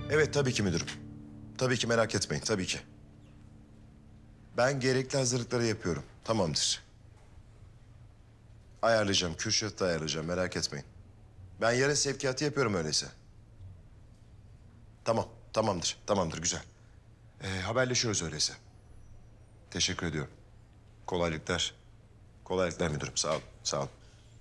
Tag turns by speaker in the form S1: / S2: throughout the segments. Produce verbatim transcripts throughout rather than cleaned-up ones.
S1: Evet tabii ki müdürüm. Tabii ki merak etmeyin tabii ki. Ben gerekli hazırlıkları yapıyorum. Tamamdır. Ayarlayacağım. Kürşat'ı da ayarlayacağım. Merak etmeyin. Ben yarın sevkiyatı yapıyorum öyleyse. Tamam. Tamamdır. Tamamdır. Güzel. Ee, haberleşiyoruz öyleyse. Teşekkür ediyorum. Kolaylıklar. Kolaylıklar müdürüm. Sağ olun. Sağ olun.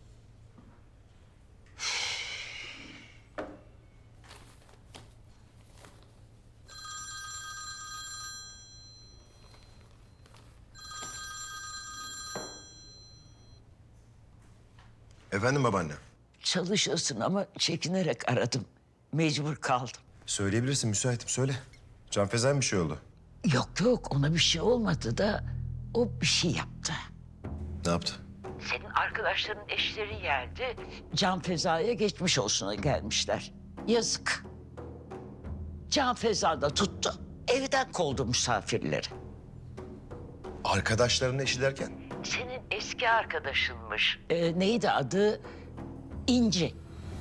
S1: Efendim babaanne.
S2: Çalışıyorsun ama çekinerek aradım. Mecbur kaldım.
S1: Söyleyebilirsin. Müsaitim. Söyle. Can Feza'ya mı bir şey oldu?
S2: Yok yok ona bir şey olmadı da o bir şey yaptı.
S1: Ne yaptı?
S2: Senin arkadaşların eşleri geldi. Can Feza'ya geçmiş olsuna gelmişler. Yazık. Can Feza da tuttu. Evden kovdu misafirleri.
S1: Arkadaşlarının eşi derken?
S2: Senin eski arkadaşınmış. Ee, neydi adı? İnci.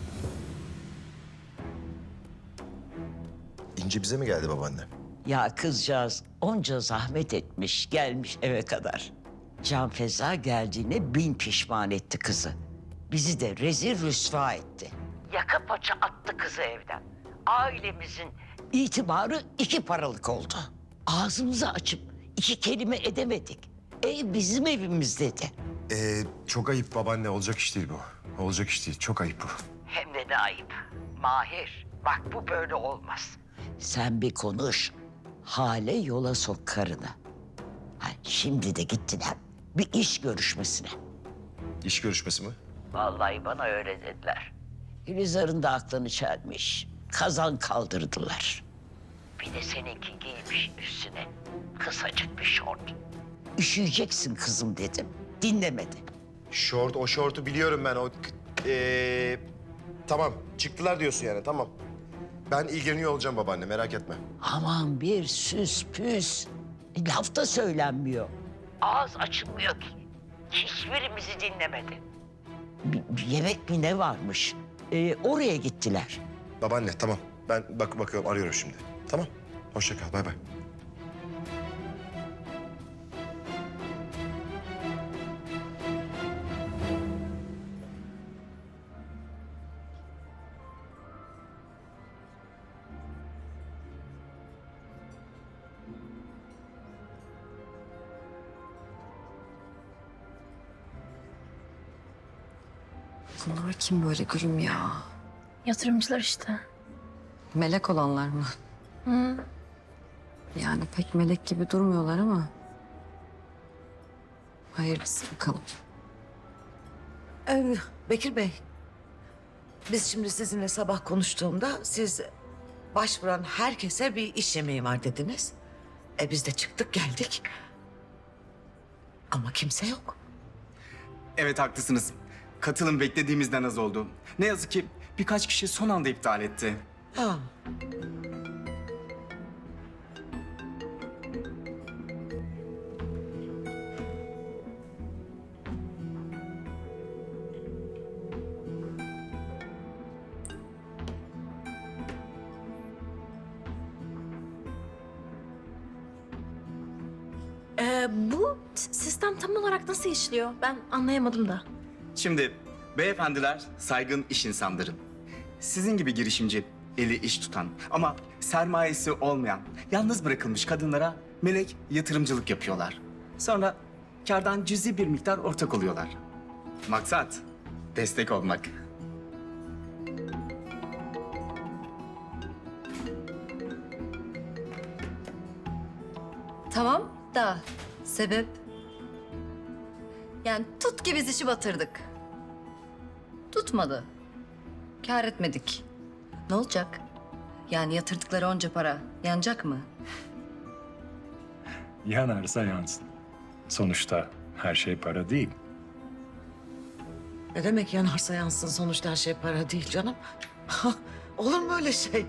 S1: İnci bize mi geldi babaanne?
S2: Ya kızcağız onca zahmet etmiş, gelmiş eve kadar. Can Feza geldiğine bin pişman etti kızı. Bizi de rezil rüsva etti. Yaka paça attı kızı evden. Ailemizin itibarı iki paralık oldu. Ağzımızı açıp iki kelime edemedik. Ev bizim evimiz dedi.
S1: Ee, çok ayıp babaanne. Olacak iş değil bu. Olacak iş değil. Çok ayıp bu.
S2: Hem de ne ayıp. Mahir, bak bu böyle olmaz. Sen bir konuş. Hale yola sok karını. Ha, şimdi de gittiler bir iş görüşmesine.
S1: İş görüşmesi mi?
S2: Vallahi bana öyle dediler. Gülizar'ın da aklını çelmiş. Kazan kaldırdılar. Bir de seninki giymiş üstüne kısacık bir şort. Üşüyeceksin kızım dedim. Dinlemedi.
S1: Şort, o şortu biliyorum ben. O ee, tamam. Çıktılar diyorsun yani. Tamam. Ben ilgileniyor olacağım babaanne. Merak etme.
S2: Aman bir süs püs. Laf da söylenmiyor. Ağız açılmıyor ki. Hiçbirimizi dinlemedi. Bir, bir yemek mi ne varmış? Ee, oraya gittiler.
S1: Babaanne tamam. Ben bak bakıyorum arıyorum şimdi. Tamam. Hoşça kal. Bay bay.
S3: Bunlar kim böyle gülüm ya?
S4: Yatırımcılar işte.
S3: Melek olanlar mı?
S4: Hı.
S3: Yani pek melek gibi durmuyorlar ama. Hayırlısı bakalım.
S5: Ee, Bekir Bey, biz şimdi sizinle sabah konuştuğumda siz başvuran herkese bir iş yemeği var dediniz. E biz de çıktık geldik. Ama kimse yok.
S6: Evet haklısınız. Katılım beklediğimizden az oldu. Ne yazık ki birkaç kişi son anda iptal etti.
S5: Ha.
S4: Ee, bu s- sistem tam olarak nasıl işliyor? Ben anlayamadım da.
S6: Şimdi beyefendiler saygın iş insanları. Sizin gibi girişimci, eli iş tutan ama sermayesi olmayan, yalnız bırakılmış kadınlara melek yatırımcılık yapıyorlar. Sonra kardan cüzi bir miktar ortak oluyorlar. Maksat destek olmak.
S3: Tamam da sebep? Yani tut ki biz işi batırdık. Tutmadı. Kâr etmedik. Ne olacak? Yani yatırdıkları onca para yanacak mı?
S7: Yanarsa yansın. Sonuçta her şey para değil.
S5: Ne demek yanarsa yansın sonuçta her şey para değil canım. Olur mu öyle şey?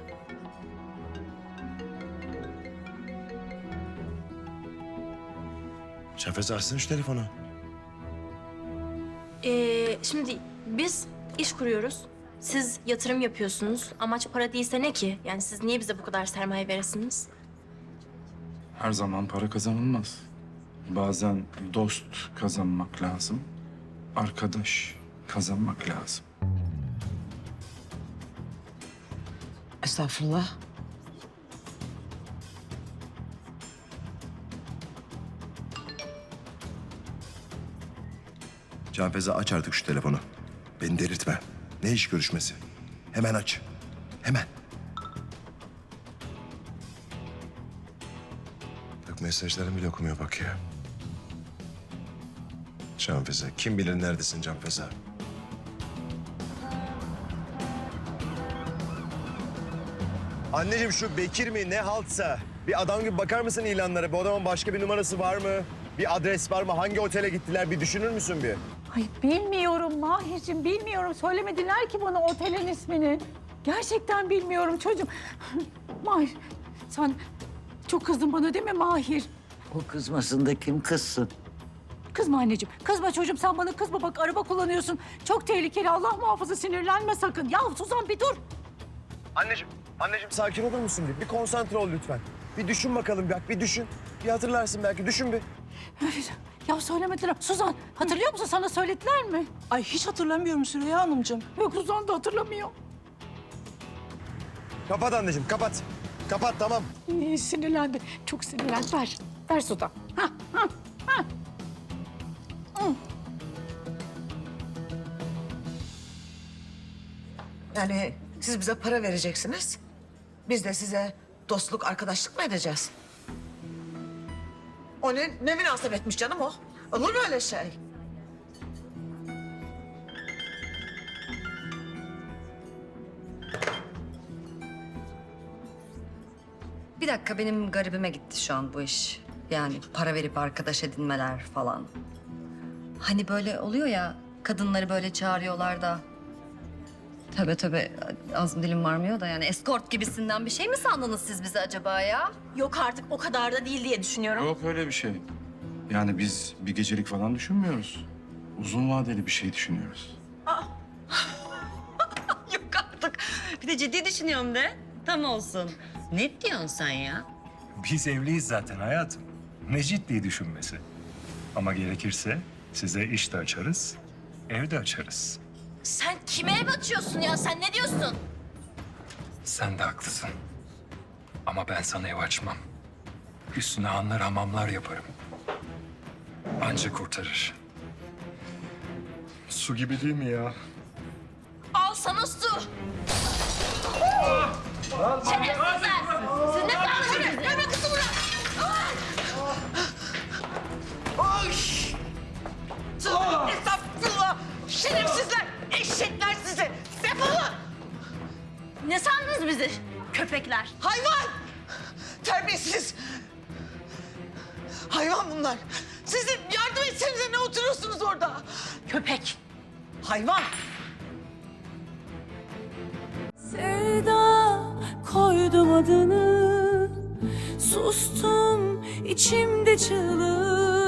S1: Şafez açsın şu telefonu.
S4: Ee, şimdi biz iş kuruyoruz. Siz yatırım yapıyorsunuz. Amaç para değilse ne ki? Yani siz niye bize bu kadar sermaye veresiniz?
S7: Her zaman para kazanılmaz. Bazen dost kazanmak lazım. Arkadaş kazanmak lazım.
S5: Estağfurullah.
S1: Can Feza, aç artık şu telefonu. Beni delirtme. Ne iş görüşmesi? Hemen aç. Hemen. Bak, mesajlarımı bile okumuyor bak ya. Can Feza, kim bilir neredesin Can Feza?
S8: Anneciğim, şu Bekir mi ne haltsa bir adam gibi bakar mısın ilanlara? Bu adamın başka bir numarası var mı? Bir adres var mı? Hangi otele gittiler? Bir düşünür müsün bir?
S9: Ay bilmiyorum Mahir'cim, bilmiyorum. Söylemediler ki bana otelin ismini. Gerçekten bilmiyorum çocuğum. Mahir, sen çok kızdın bana değil mi Mahir?
S2: O kızmasın da kim kızsın?
S9: Kızma anneciğim, kızma çocuğum. Sen bana kızma. Bak araba kullanıyorsun. Çok tehlikeli. Allah muhafaza, sinirlenme sakın. Ya Suzan bir dur.
S8: Anneciğim, anneciğim sakin olur musun bir? Bir konsantre ol lütfen. Bir düşün bakalım bak, bir düşün. Bir hatırlarsın belki, düşün bir.
S9: Ya söylemediler. Suzan hatırlıyor musun? Sana söylediler mi?
S10: Ay hiç hatırlamıyorum Süreyya Hanımcığım.
S9: Yok, Suzan da hatırlamıyor.
S8: Kapat anneciğim, kapat. Kapat, tamam.
S9: İyi, sinirlendi. Çok sinirlendi. Ver. Ver Suzan. Ha, ha, ha. Hı.
S5: Yani siz bize para vereceksiniz. Biz de size dostluk, arkadaşlık mı edeceğiz? O ne, ne münasebetmiş canım o? Olur mu öyle şey?
S3: Bir dakika, benim garibime gitti şu an bu iş. Yani para verip arkadaş edinmeler falan. Hani böyle oluyor ya, kadınları böyle çağırıyorlar da. Tövbe tövbe, ağzım dilim varmıyor da yani eskort gibisinden bir şey mi sandınız siz bizi acaba ya?
S4: Yok artık o kadar da değil diye düşünüyorum.
S7: Yok öyle bir şey. Yani biz bir gecelik falan düşünmüyoruz. Uzun vadeli bir şey düşünüyoruz.
S3: Yok artık. Bir de ciddi düşünüyorum de. Tam olsun. Ne diyorsun sen ya?
S7: Biz evliyiz zaten hayatım. Ne ciddi düşünmesi. Ama gerekirse size iş de açarız, ev de açarız.
S4: Sen kime ev açıyorsun ya? Sen ne diyorsun?
S7: Sen de haklısın. Ama ben sana ev açmam. Üstüne hanlar hamamlar yaparım. Anca kurtarır. Su gibi değil mi ya?
S4: Al sana su. Şerefsizler! Siz ne sandınız? Görme kızı bırak!
S5: Estağfurullah! Şerefsizler! Eşekler sizi! Defolun!
S4: Ne sandınız bizi? Köpekler.
S5: Hayvan! Terbiyesiz! Hayvan bunlar! Sizin yardım etsenize, ne oturuyorsunuz orada?
S4: Köpek.
S5: Hayvan!
S10: Sevda koydum adını. Sustum içimde çığlık.